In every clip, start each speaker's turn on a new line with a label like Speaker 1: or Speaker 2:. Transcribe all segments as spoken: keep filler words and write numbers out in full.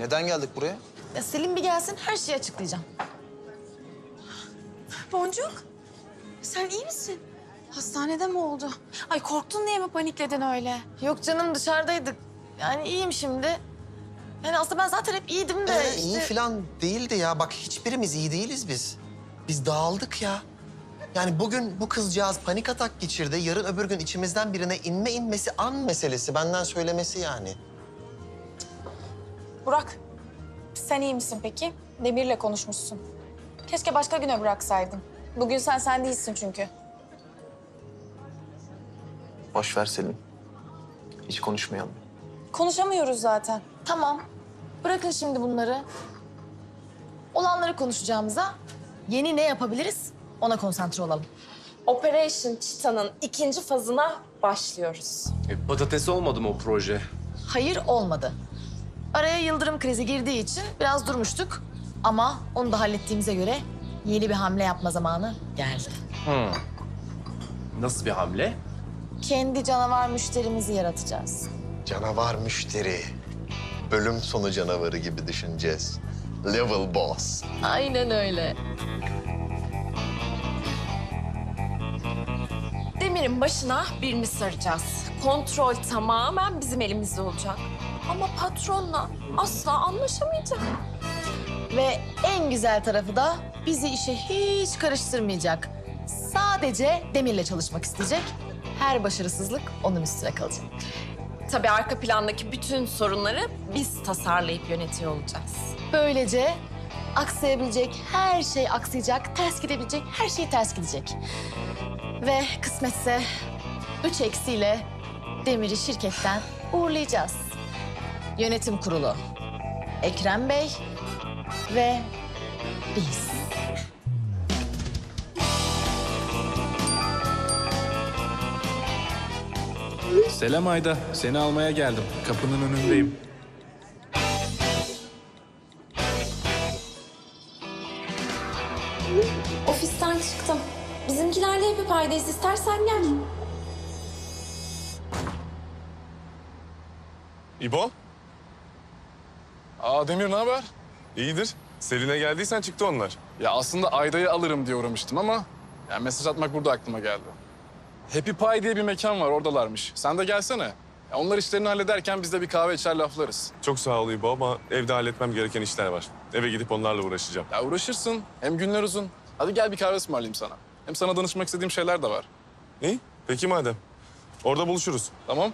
Speaker 1: Neden geldik buraya?
Speaker 2: Ya Selim bir gelsin, her şeyi açıklayacağım.
Speaker 3: Boncuk, sen iyi misin? Hastanede mi oldu? Ay korktun diye mi panikledin öyle?
Speaker 2: Yok canım, dışarıdaydık. Yani iyiyim şimdi. Yani aslında ben zaten hep iyiydim de
Speaker 4: Ee,
Speaker 2: işte...
Speaker 4: iyi falan değildi ya. Bak hiçbirimiz iyi değiliz biz. Biz dağıldık ya. Yani bugün bu kızcağız panik atak geçirdi. Yarın öbür gün içimizden birine inme inmesi an meselesi. Benden söylemesi yani.
Speaker 3: Burak, sen iyi misin peki? Demir'le konuşmuşsun. Keşke başka güne bıraksaydın. Bugün sen sen değilsin çünkü.
Speaker 1: Boş ver Selim. Hiç konuşmayalım.
Speaker 3: Konuşamıyoruz zaten.
Speaker 2: Tamam, bırakın şimdi bunları. Olanları konuşacağımıza yeni ne yapabiliriz ona konsantre olalım.
Speaker 5: Operation Cheetah'nın ikinci fazına başlıyoruz.
Speaker 6: E, patates olmadı mı o proje?
Speaker 2: Hayır, olmadı. Araya yıldırım krizi girdiği için biraz durmuştuk. Ama onu da hallettiğimize göre yeni bir hamle yapma zamanı geldi.
Speaker 6: Hmm. Nasıl bir hamle?
Speaker 2: Kendi canavar müşterimizi yaratacağız.
Speaker 4: Canavar müşteri. Bölüm sonu canavarı gibi düşüneceğiz. Level boss.
Speaker 2: Aynen öyle.
Speaker 5: Demir'in başına birini saracağız. Kontrol tamamen bizim elimizde olacak. Ama patronla asla anlaşamayacak.
Speaker 2: Ve en güzel tarafı da bizi işe hiç karıştırmayacak. Sadece Demir'le çalışmak isteyecek. Her başarısızlık onun üstüne kalacak.
Speaker 5: Tabii arka plandaki bütün sorunları biz tasarlayıp yönetiyor olacağız.
Speaker 2: Böylece aksayabilecek her şey aksayacak, ters gidebilecek her şey ters gidecek. Ve kısmetse üç eksiyle Demir'i şirketten uğurlayacağız. Yönetim kurulu, Ekrem Bey ve biz.
Speaker 7: Selam Ayda. Seni almaya geldim. Kapının önündeyim.
Speaker 5: Ofisten çıktım. Bizimkilerle hep paydayız. İstersen gel.
Speaker 8: İbo,
Speaker 7: Aa Demir, ne haber?
Speaker 8: iyidir. Selin'e geldiysen çıktı onlar.
Speaker 7: Ya aslında Ayda'yı alırım diye uğramıştım ama... yani mesaj atmak burada aklıma geldi. Happy Pie diye bir mekan var, oradalarmış. Sen de gelsene. Ya onlar işlerini hallederken biz de bir kahve içer laflarız.
Speaker 8: Çok sağ ol İbo ama evde halletmem gereken işler var. Eve gidip onlarla uğraşacağım.
Speaker 7: Ya uğraşırsın. Hem günler uzun. Hadi gel bir kahve ısmarlayayım sana. Hem sana danışmak istediğim şeyler de var.
Speaker 8: İyi, peki madem. Orada buluşuruz.
Speaker 7: Tamam?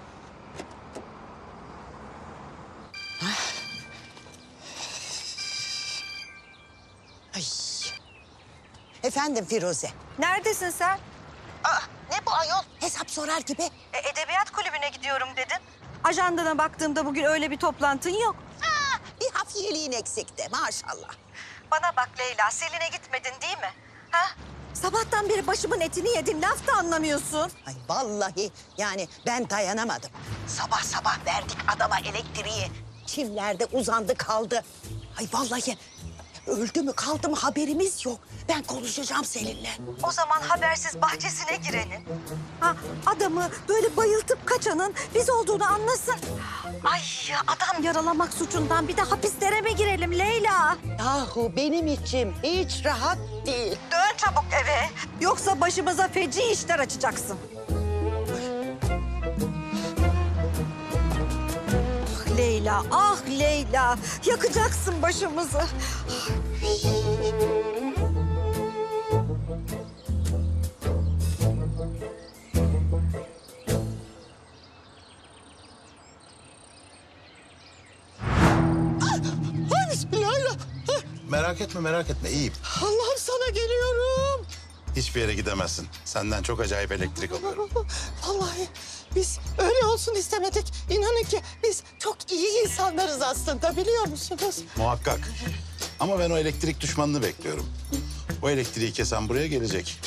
Speaker 9: Ay. Efendim Firuze.
Speaker 10: Neredesin sen?
Speaker 9: Aa, ne bu ayol? Hesap sorar gibi.
Speaker 10: E, edebiyat kulübüne gidiyorum dedin. Ajandana baktığımda bugün öyle bir toplantın yok.
Speaker 9: Aa, bir hafiyeliğin eksikti maşallah.
Speaker 10: Bana bak Leyla, Selin'e gitmedin değil mi? Ha? Sabahtan beri başımın etini yedin, laf da anlamıyorsun.
Speaker 9: Ay vallahi yani ben dayanamadım. Sabah sabah verdik adama elektriği. Çimlerde uzandı kaldı. Ay vallahi öldü mü kaldı mı haberimiz yok. Ben konuşacağım seninle.
Speaker 10: O zaman habersiz bahçesine girenin. Ha, adamı böyle bayıltıp kaçanın biz olduğunu anlasın. Ay adam yaralamak suçundan bir de hapislere mi girelim Leyla?
Speaker 9: Yahu benim içim hiç rahat değil.
Speaker 10: Dön çabuk eve. Yoksa başımıza feci işler açacaksın. Ah Leyla, ah Leyla. Yakacaksın başımızı.
Speaker 9: Ay bismillahirrahmanirrahim.
Speaker 11: Merak etme, merak etme. İyiyim.
Speaker 9: Allah'ım sana geliyorum.
Speaker 11: Hiçbir yere gidemezsin. Senden çok acayip elektrik alıyorum.
Speaker 9: Vallahi biz öyle olsun istemedik. İnanın ki biz çok iyi insanlarız aslında biliyor musunuz?
Speaker 11: Muhakkak. Ama ben o elektrik düşmanını bekliyorum. O elektriği kesen buraya gelecek.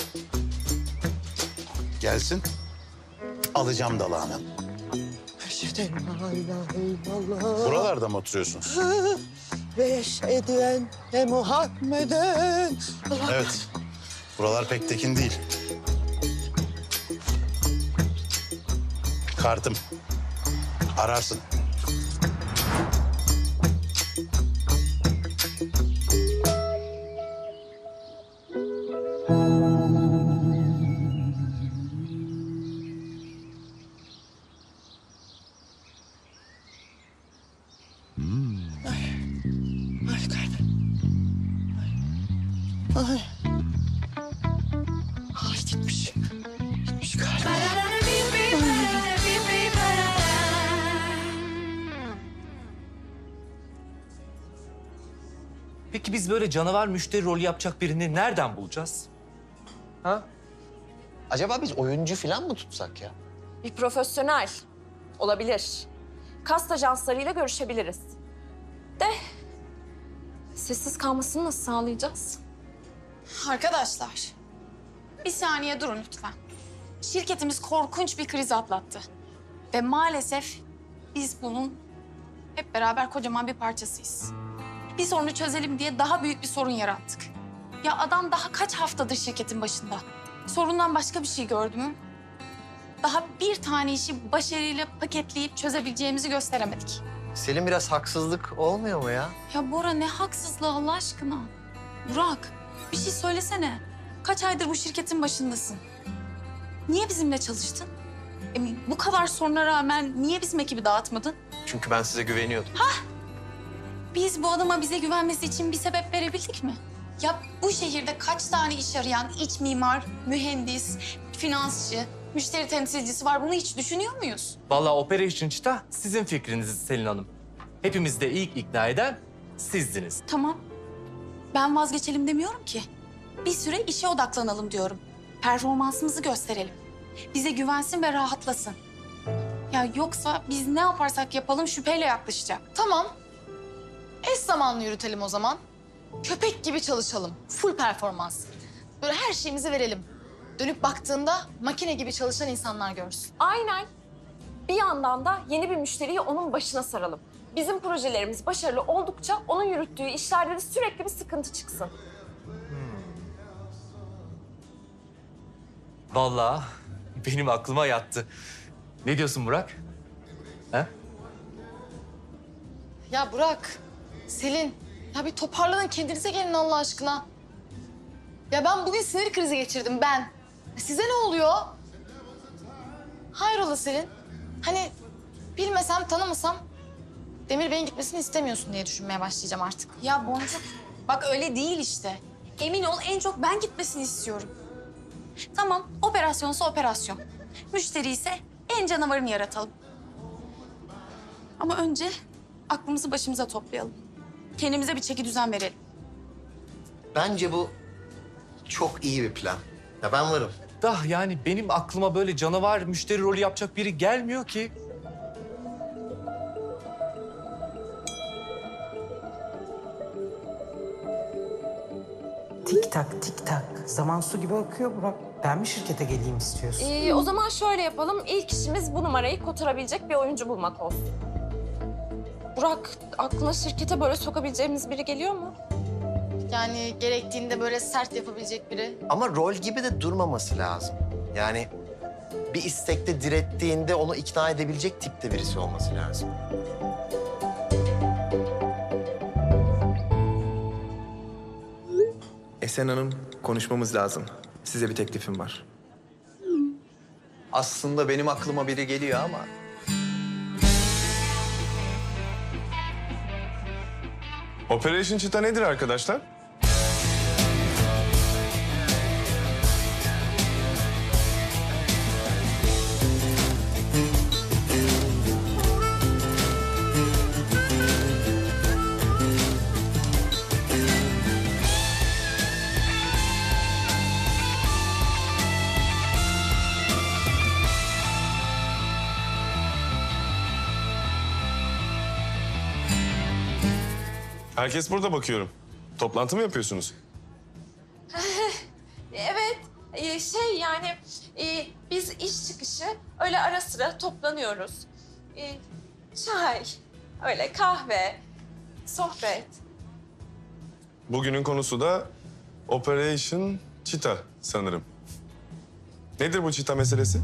Speaker 11: Gelsin. Alacağım dalağını.
Speaker 9: Eşhedü en la ilahe illallah.
Speaker 11: Buralarda mı oturuyorsunuz?
Speaker 9: Ve eşhedü enne Muhammeden.
Speaker 11: Evet. Buralar pek tekin değil. Kartım. Ararsın.
Speaker 4: Ay. Ay gitmiş. Gitmiş galiba.
Speaker 1: Peki biz böyle canavar müşteri rolü yapacak birini nereden bulacağız? Ha?
Speaker 4: Acaba biz oyuncu falan mı tutsak ya?
Speaker 5: Bir profesyonel olabilir. Kast ajanslarıyla görüşebiliriz. De sessiz kalmasını nasıl sağlayacağız?
Speaker 3: Arkadaşlar, bir saniye durun lütfen. Şirketimiz korkunç bir kriz atlattı. Ve maalesef biz bunun hep beraber kocaman bir parçasıyız. Bir sorunu çözelim diye daha büyük bir sorun yarattık. Ya adam daha kaç haftadır şirketin başında? Sorundan başka bir şey gördü mü? Daha bir tane işi başarıyla paketleyip çözebileceğimizi gösteremedik.
Speaker 4: Selin biraz haksızlık olmuyor mu ya?
Speaker 3: Ya Bora ne haksızlığı Allah aşkına. Burak bir şey söylesene. Kaç aydır bu şirketin başındasın? Niye bizimle çalıştın? E, bu kadar soruna rağmen niye bizim ekibi dağıtmadın?
Speaker 1: Çünkü ben size güveniyordum.
Speaker 3: Biz bu adama bize güvenmesi için bir sebep verebildik mi? Ya bu şehirde kaç tane iş arayan iç mimar, mühendis, finansçı, müşteri temsilcisi var? Bunu hiç düşünüyor muyuz?
Speaker 1: Vallahi Operation Cheetah sizin fikriniz Selin Hanım. Hepimiz de ilk ikna eden sizdiniz.
Speaker 3: Tamam. Ben vazgeçelim demiyorum ki. Bir süre işe odaklanalım diyorum. Performansımızı gösterelim. Bize güvensin ve rahatlasın. Ya yoksa biz ne yaparsak yapalım şüpheyle yaklaşacak.
Speaker 2: Tamam. Eş zamanlı yürütelim o zaman. Köpek gibi çalışalım. Full performans. Böyle her şeyimizi verelim. Dönüp baktığında makine gibi çalışan insanlar görsün.
Speaker 5: Aynen. Bir yandan da yeni bir müşteriyi onun başına saralım. Bizim projelerimiz başarılı oldukça onun yürüttüğü işlerde de sürekli bir sıkıntı çıksın.
Speaker 1: Vallahi benim aklıma yattı. Ne diyorsun Burak? Ha?
Speaker 2: Ya Burak, Selin, ya bir toparlanın kendinize gelin Allah aşkına. Ya ben bugün sinir krizi geçirdim ben. Size ne oluyor? Hayrola Selin? Hani bilmesem, tanımasam Demir Bey'in gitmesini istemiyorsun diye düşünmeye başlayacağım artık.
Speaker 3: Ya Boncuk, bak öyle değil işte. Emin ol en çok ben gitmesini istiyorum. Tamam, operasyonsa operasyon. Müşteri ise en canavarını yaratalım. Ama önce aklımızı başımıza toplayalım. Kendimize bir çeki düzen verelim.
Speaker 4: Bence bu çok iyi bir plan. Ya ben varım.
Speaker 1: Da yani benim aklıma böyle canavar müşteri rolü yapacak biri gelmiyor ki.
Speaker 12: Tik tak tik tak. Zaman su gibi akıyor Burak. Ben mi şirkete geleyim istiyorsun?
Speaker 5: Ee, o zaman şöyle yapalım. İlk işimiz bu numarayı kotarabilecek bir oyuncu bulmak olsun. Burak, aklına şirkete böyle sokabileceğimiz biri geliyor mu?
Speaker 2: Yani gerektiğinde böyle sert yapabilecek biri.
Speaker 4: Ama rol gibi de durmaması lazım. Yani bir istekte direttiğinde onu ikna edebilecek tipte birisi olması lazım.
Speaker 1: Esen Hanım, konuşmamız lazım. Size bir teklifim var.
Speaker 13: Aslında benim aklıma biri geliyor ama...
Speaker 8: Operation Cheetah nedir arkadaşlar? Herkes burada bakıyorum. Toplantı mı yapıyorsunuz?
Speaker 5: Evet, e, şey yani e, biz iş çıkışı öyle ara sıra toplanıyoruz. E, çay, öyle kahve, sohbet.
Speaker 8: Bugünün konusu da Operation Cheetah sanırım. Nedir bu Cheetah meselesi?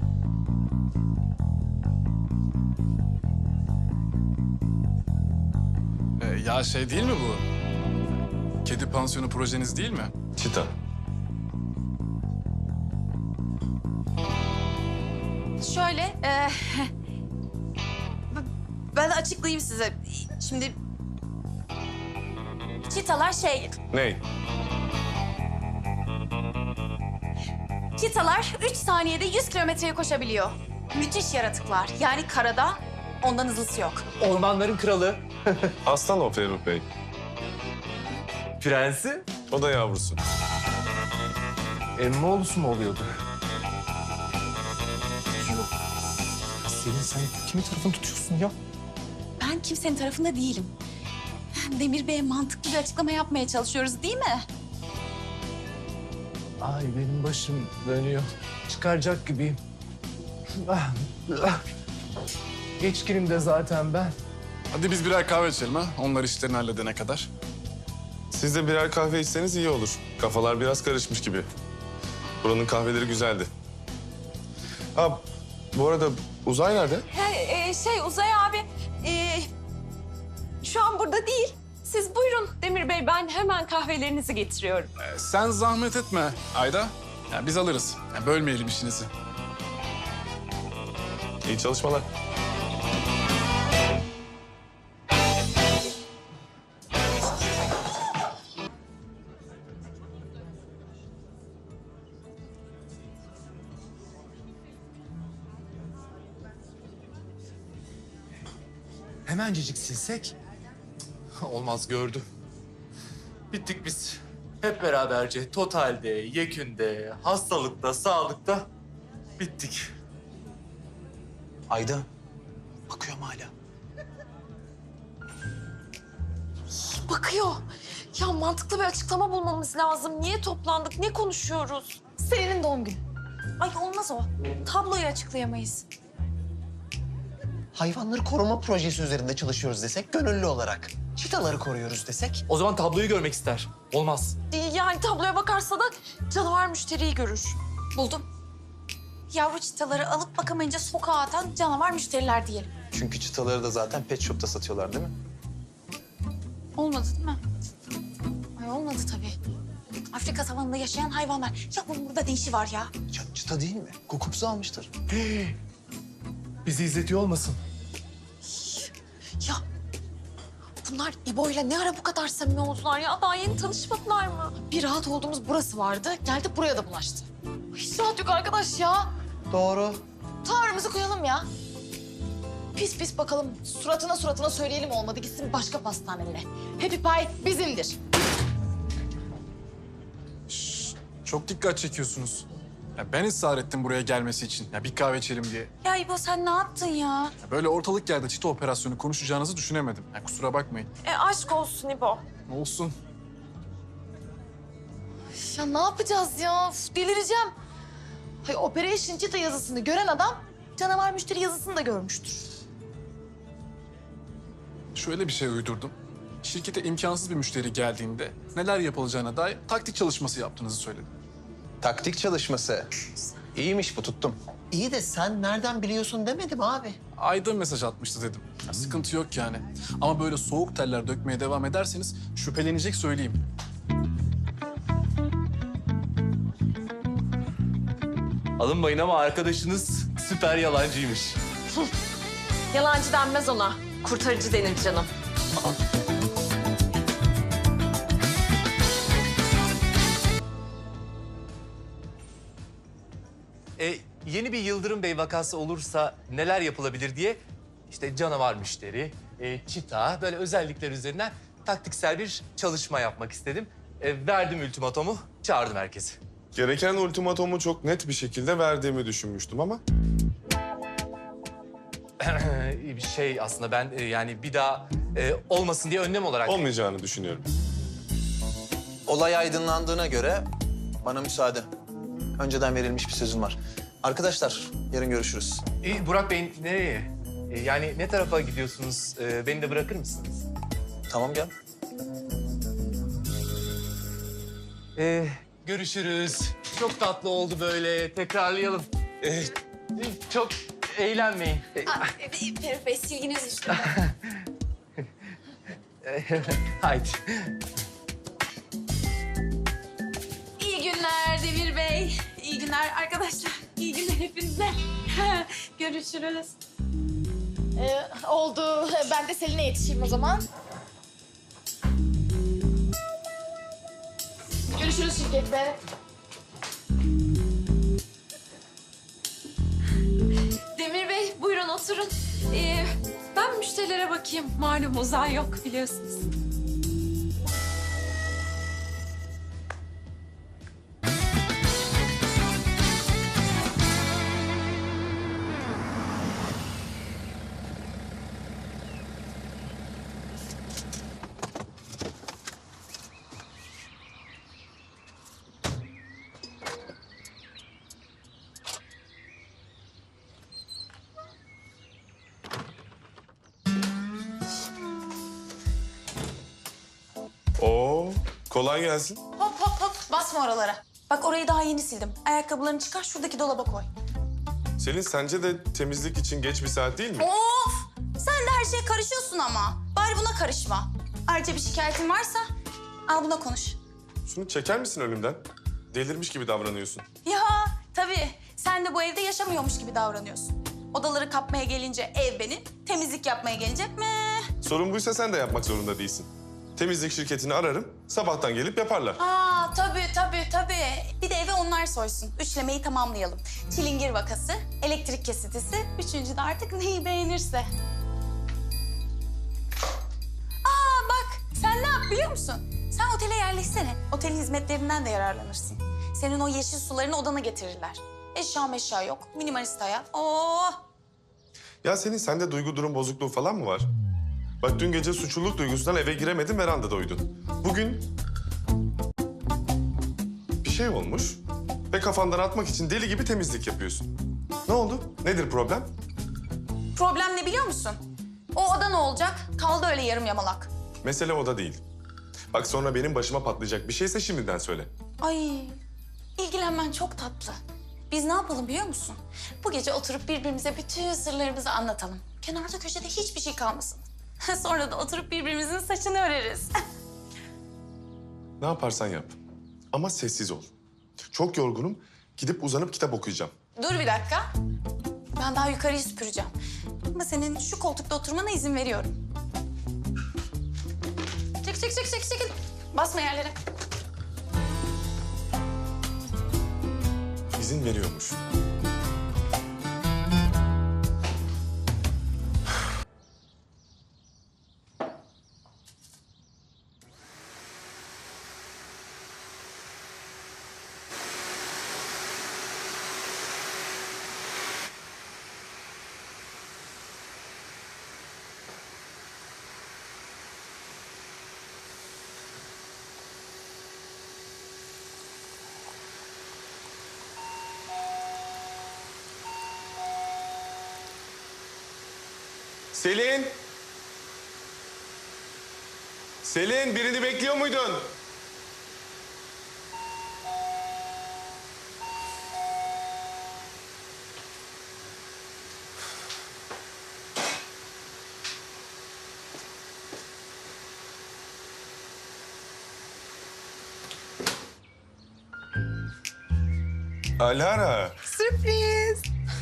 Speaker 7: Ee, ya şey değil mi bu? Kedi pansiyonu projeniz değil mi?
Speaker 8: Cheetah.
Speaker 3: Şöyle, e, ben açıklayayım size. Şimdi çitalar şey,
Speaker 8: Ney?
Speaker 3: Çitalar üç saniyede yüz kilometreye koşabiliyor. Müthiş yaratıklar. Yani karada ondan hızlısı yok.
Speaker 1: Ormanların kralı.
Speaker 8: Aslan o Ferruh Bey.
Speaker 1: Prensi.
Speaker 8: O da yavrusu.
Speaker 1: Emmoğlusu mu oluyordu? Yok. Selin sen kimin tarafını tutuyorsun ya?
Speaker 3: Ben kimsenin tarafında değilim. Demir Bey'e mantıklı bir açıklama yapmaya çalışıyoruz değil mi?
Speaker 1: Ay benim başım dönüyor. Çıkaracak gibiyim. Ah, ah. Geçkinim de zaten ben.
Speaker 7: Hadi biz birer kahve içelim ha. Onlar işlerini halledene kadar.
Speaker 8: Siz de birer kahve içseniz iyi olur. Kafalar biraz karışmış gibi. Buranın kahveleri güzeldi. Ha, bu arada Uzay nerede?
Speaker 5: He, e, şey Uzay abi e, şu an burada değil. Siz buyurun Demir Bey, ben hemen kahvelerinizi getiriyorum.
Speaker 7: Ee, sen zahmet etme Ayda. Yani biz alırız. Yani bölmeyelim işinizi.
Speaker 8: İyi çalışmalar.
Speaker 1: Hemencecik silsek. Olmaz gördüm. Bittik biz. Hep beraberce totalde, yekünde, hastalıkta, sağlıkta bittik.
Speaker 13: Ayda, bakıyorum hala.
Speaker 5: Bakıyor. Ya mantıklı bir açıklama bulmamız lazım. Niye toplandık, ne konuşuyoruz?
Speaker 3: Selin'in doğum günü. Ay olmaz o. Tabloyu açıklayamayız.
Speaker 4: Hayvanları koruma projesi üzerinde çalışıyoruz desek gönüllü olarak. Çitaları koruyoruz desek.
Speaker 1: O zaman tabloyu görmek ister. Olmaz.
Speaker 5: Yani tabloya bakarsa da canavar müşteriyi görür.
Speaker 3: Buldum. Yavru çitaları alıp bakamayınca sokağa atan canavar müşteriler diyelim.
Speaker 13: Çünkü çıtaları da zaten pet shop'ta satıyorlar değil mi?
Speaker 3: Olmadı değil mi? Ay olmadı tabii. Afrika savanında yaşayan hayvanlar. Ya bunun burada ne işi var ya?
Speaker 13: Ya, çıta değil mi? Kukupsu almıştır.
Speaker 1: Bizi izletiyor olmasın?
Speaker 5: Ya bunlar İbo'yla ne ara bu kadar samimi oldular ya? Daha yeni tanışmadılar mı?
Speaker 2: Bir rahat olduğumuz burası vardı. Geldi buraya da bulaştı. Hiç rahat yok arkadaş ya.
Speaker 4: Doğru.
Speaker 2: Tavrımızı koyalım ya. Pis pis bakalım. Suratına suratına söyleyelim olmadı. Gitsin başka pastanelere. Happy Pie bizimdir.
Speaker 7: Çok dikkat çekiyorsunuz. Ya ben ısrar ettim buraya gelmesi için. Ya bir kahve içelim diye.
Speaker 3: Ya İbo sen ne yaptın ya?
Speaker 7: Ya böyle ortalık yerde çita operasyonu konuşacağınızı düşünemedim. Ya kusura bakmayın.
Speaker 5: E aşk olsun İbo.
Speaker 7: Olsun.
Speaker 2: Ya ne yapacağız ya? Uf, delireceğim. Hay Operation Cheetah yazısını gören adam canavar müşteri yazısını da görmüştür.
Speaker 7: Şöyle bir şey uydurdum. Şirkete imkansız bir müşteri geldiğinde neler yapılacağına dair taktik çalışması yaptığınızı söyledim.
Speaker 13: Taktik çalışması. İyiymiş bu, tuttum.
Speaker 4: İyi de sen nereden biliyorsun demedim abi.
Speaker 7: Ayda mesaj atmıştı dedim. Ya sıkıntı yok yani. Ama böyle soğuk teller dökmeye devam ederseniz şüphelenecek söyleyeyim.
Speaker 1: Alınmayın ama arkadaşınız süper yalancıymış.
Speaker 5: Yalancı denmez ona. Kurtarıcı denir canım.
Speaker 1: E, yeni bir Yıldırım Bey vakası olursa neler yapılabilir diye işte canavar müşteri, e, çita böyle özellikler üzerinden taktiksel bir çalışma yapmak istedim. E, verdim ultimatomu, çağırdım herkesi.
Speaker 8: Gereken ultimatomu çok net bir şekilde verdiğimi düşünmüştüm ama...
Speaker 1: bir şey aslında ben e, yani bir daha e, olmasın diye önlem olarak...
Speaker 8: Olmayacağını düşünüyorum.
Speaker 13: Olay aydınlandığına göre bana müsaade. Önceden verilmiş bir sözüm var. Arkadaşlar, yarın görüşürüz.
Speaker 1: E, Burak Bey nereye? E, yani ne tarafa gidiyorsunuz? E, beni de bırakır mısınız?
Speaker 13: Tamam, gel.
Speaker 1: E, görüşürüz. Çok tatlı oldu böyle. Tekrarlayalım. E, çok eğlenmeyin. E,
Speaker 3: Ferruh Bey silginiz üstünde.
Speaker 1: haydi.
Speaker 3: İyi günler Demir Bey. İyi günler arkadaşlar. İyi günler hepinize. Görüşürüz.
Speaker 2: Ee, oldu. Ben de Selin'e yetişeyim o zaman. Görüşürüz şirkette.
Speaker 5: müşterilere bakayım. Malum uzan yok biliyorsunuz.
Speaker 8: Oo, kolay gelsin.
Speaker 3: Hop hop hop basma oralara. Bak orayı daha yeni sildim. Ayakkabılarını çıkar şuradaki dolaba koy.
Speaker 8: Selin, sence de temizlik için geç bir saat değil mi?
Speaker 3: Of! Sen de her şeye karışıyorsun ama. Bari buna karışma. Ayrıca bir şikayetin varsa al buna konuş.
Speaker 8: Şunu çeker misin önümden? Delirmiş gibi davranıyorsun.
Speaker 3: Ya tabii. Sen de bu evde yaşamıyormuş gibi davranıyorsun. Odaları kapmaya gelince ev benim, temizlik yapmaya gelince meh.
Speaker 8: Sorun buysa sen de yapmak zorunda değilsin. Temizlik şirketini ararım, sabahtan gelip yaparlar.
Speaker 3: Aa tabii tabii tabii. Bir de eve onlar soysun. Üçlemeyi tamamlayalım. Çilingir vakası, elektrik kesintisi, üçüncü de artık neyi beğenirse. Aa bak sen ne yap biliyor musun? Sen otele yerleşsene. Otelin hizmetlerinden de yararlanırsın. Senin o yeşil sularını odana getirirler. Eşya meşya yok, minimalist hayat. Oo.
Speaker 8: Ya senin sende duygu durum bozukluğu falan mı var? Bak dün gece suçluluk duygusundan eve giremedin, verandada uyudun. Bugün bir şey olmuş ve kafandan atmak için deli gibi temizlik yapıyorsun. Ne oldu? Nedir problem?
Speaker 3: Problem ne biliyor musun? O oda ne olacak? Kaldı öyle yarım yamalak.
Speaker 8: Mesele o da değil. Bak sonra benim başıma patlayacak bir şeyse şimdiden söyle.
Speaker 3: Ay, ilgilenmen çok tatlı. Biz ne yapalım biliyor musun? Bu gece oturup birbirimize bütün sırlarımızı anlatalım. Kenarda köşede hiçbir şey kalmasın. Sonra da oturup birbirimizin saçını öreriz.
Speaker 8: Ne yaparsan yap. Ama sessiz ol. Çok yorgunum. Gidip uzanıp kitap okuyacağım.
Speaker 3: Dur bir dakika. Ben daha yukarıyı süpüreceğim. Ama senin şu koltukta oturmana izin veriyorum. Çek, çek, çek, çek, çek. Basma yerlere.
Speaker 8: İzin veriyormuş. Selin! Selin, birini bekliyor muydun? Alara.
Speaker 14: Sürpriz.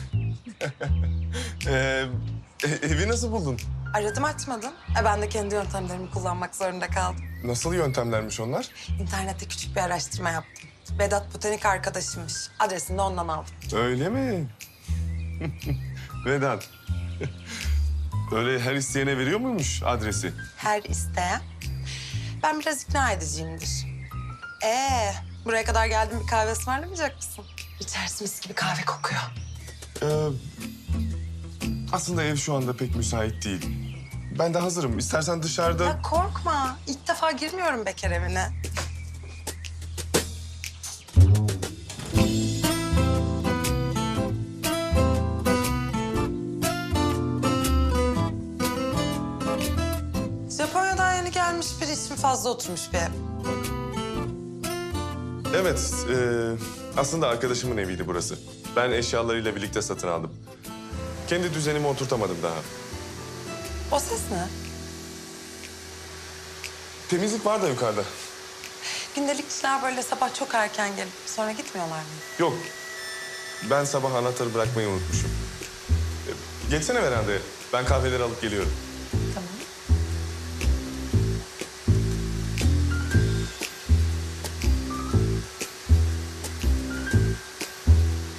Speaker 8: ee, e- evi nasıl buldun?
Speaker 14: Aradım açmadın. E ben de kendi yöntemlerimi kullanmak zorunda kaldım.
Speaker 8: Nasıl yöntemlermiş onlar?
Speaker 14: İnternette küçük bir araştırma yaptım. Vedat botanik arkadaşımmış. Adresini de ondan aldım.
Speaker 8: Öyle mi? Vedat. Öyle her isteyene veriyor muymuş adresi?
Speaker 14: Her isteyen. Ben biraz ikna ediciyimdir. Ee, buraya kadar geldim, bir kahve ısmarlamayacak mısın? İçerisi mis gibi kahve kokuyor.
Speaker 8: Ee, aslında ev şu anda pek müsait değil. Ben de hazırım. İstersen dışarıda...
Speaker 14: Ya korkma. İlk defa girmiyorum bekar evine. Japonya'dan yeni gelmiş bir ismi fazla oturmuş bir ev.
Speaker 8: Evet, e, aslında arkadaşımın eviydi burası. Ben eşyalarıyla birlikte satın aldım. Kendi düzenimi oturtamadım daha.
Speaker 14: O ses ne?
Speaker 8: Temizlik var da yukarıda.
Speaker 14: Gündelikçiler böyle sabah çok erken gelip sonra gitmiyorlar mı?
Speaker 8: Yok, ben sabah anahtarı bırakmayı unutmuşum. E, geçsene verandaya. Ben kahveleri alıp geliyorum.
Speaker 14: Tamam.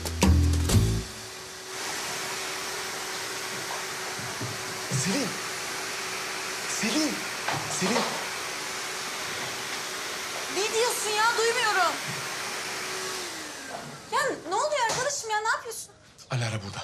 Speaker 4: Selin,
Speaker 8: Selin! Selin!
Speaker 3: Ne diyorsun ya? Duymuyorum. Ya ne oluyor arkadaşım ya? Ne yapıyorsun?
Speaker 8: Alara burada.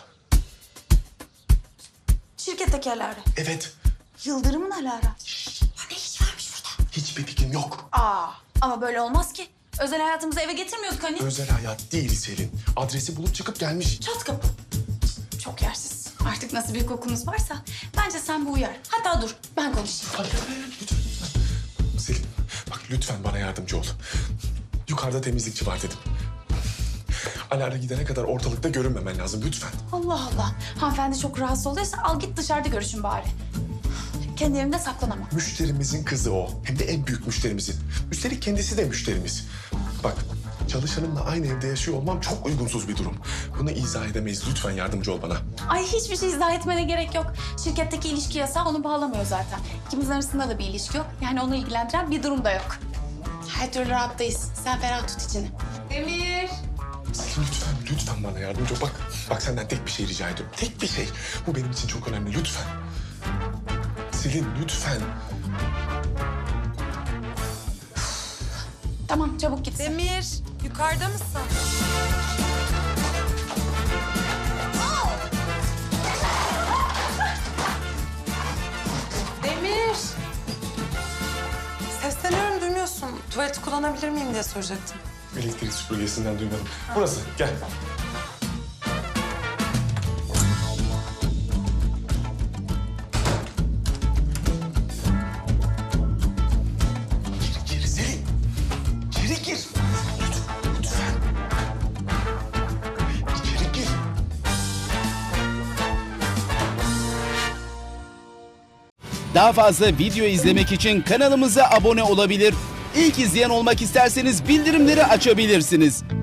Speaker 3: Şirketteki Alara.
Speaker 8: Evet.
Speaker 3: Yıldırım'ın Alara.
Speaker 5: Ne iş varmış burada?
Speaker 8: Hiçbir fikrim yok.
Speaker 3: Aa, ama böyle olmaz ki. Özel hayatımızı eve getirmiyorduk hani.
Speaker 8: Özel hayat değil Selin. Adresi bulup çıkıp gelmiş.
Speaker 3: Çat kapı. Çok yersiz. Artık nasıl bir kokunuz varsa bence sen bu uyar. Hatta dur ben konuşayım.
Speaker 8: Hayır, hayır, lütfen, lütfen. Selin, bak lütfen bana yardımcı ol. Yukarıda temizlikçi var dedim. Alara gidene kadar ortalıkta görünmemen lazım lütfen.
Speaker 3: Allah Allah. Hanımefendi çok rahatsız oluyorsa al git dışarıda görüşün bari. Kendi evimde saklanamam.
Speaker 8: Müşterimizin kızı o. Hem de en büyük müşterimizin. Üstelik kendisi de müşterimiz. Bak, çalışanımla aynı evde yaşıyor olmam çok uygunsuz bir durum. Bunu izah edemeyiz. Lütfen yardımcı ol bana.
Speaker 3: Ay hiçbir şey izah etmene gerek yok. Şirketteki ilişki yasağı onu bağlamıyor zaten. İkimizin arasında da bir ilişki yok. Yani onu ilgilendiren bir durum da yok. Her türlü rahattayız. Sen ferah tut içini. Demir.
Speaker 8: Selin lütfen, lütfen bana yardımcı ol. Bak, bak senden tek bir şey rica ediyorum. Tek bir şey. Bu benim için çok önemli. Lütfen. Selin lütfen.
Speaker 3: Tamam çabuk git.
Speaker 14: Demir, yukarıda mısın? Demir. Sesleniyorum, duymuyorsun. Tuvaleti kullanabilir miyim diye soracaktım.
Speaker 8: Elektrik süpürgesinden duymadım. Burası, gel. Gir, gir Selin. İçeri gir. Lütfen, lütfen. İçeri gir.
Speaker 15: Daha fazla video izlemek için kanalımıza abone olabilir. İlk izleyen olmak isterseniz bildirimleri açabilirsiniz.